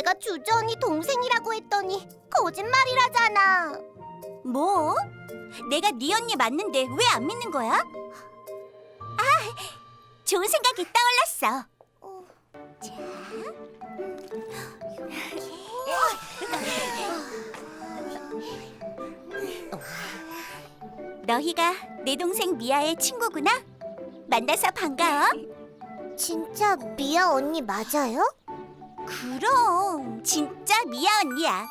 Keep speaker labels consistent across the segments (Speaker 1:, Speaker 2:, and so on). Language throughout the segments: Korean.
Speaker 1: 내가 주주 언니 동생이라고 했더니 거짓말이라잖아.
Speaker 2: 뭐? 내가 네 언니 맞는데 왜 안 믿는 거야? 아, 좋은 생각이 떠올랐어. 너희가 내 동생 미아의 친구구나? 만나서 반가워.
Speaker 1: 진짜 미아 언니 맞아요?
Speaker 2: 그럼 진짜 미아 언니야.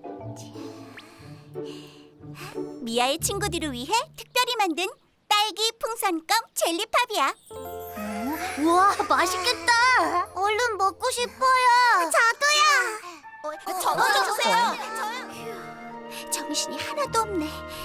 Speaker 2: 미아의 친구들을 위해 특별히 만든 딸기 풍선껌 젤리팝이야.
Speaker 1: 우와, 맛있겠다. 얼른 먹고 싶어요. 저도요.
Speaker 2: 저도 주세요. 정신이 하나도 없네.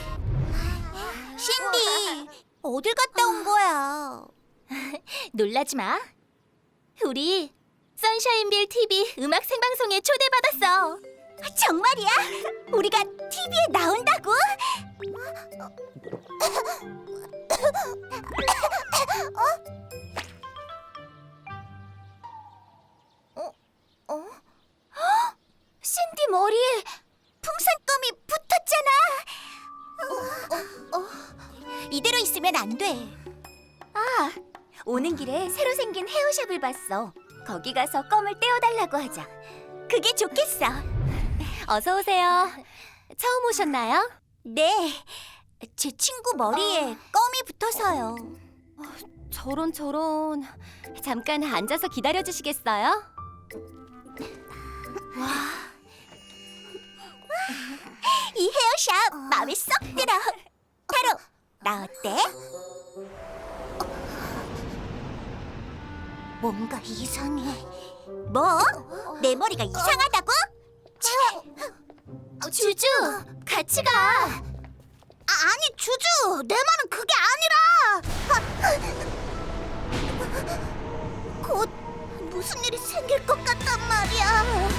Speaker 2: 신디, 어딜 갔다 온 거야?
Speaker 3: 놀라지 마. 우리 선샤인빌 TV 음악 생방송에 초대받았어.
Speaker 2: 정말이야? 우리가 TV에 나온다고? 신디 머리에 풍선껌이 붙었잖아. 이대로 있으면 안 돼. 아, 오는 길에 새로 생긴 헤어샵을 봤어. 거기 가서 껌을 떼어달라고 하자. 그게 좋겠어.
Speaker 3: 어서 오세요. 처음 오셨나요?
Speaker 2: 네, 제 친구 머리에 껌이 붙어서요.
Speaker 3: 저런. 잠깐 앉아서 기다려 주시겠어요?
Speaker 2: 이 헤어샵 마음에 쏙 들어. 타로, 나 어때?
Speaker 1: 뭔가 이상해.
Speaker 2: 뭐? 내 머리가 이상하다고?
Speaker 3: 주주, 같이 가.
Speaker 1: 아니, 주주, 내 말은 그게 아니라. 곧 무슨 일이 생길 것 같단 말이야.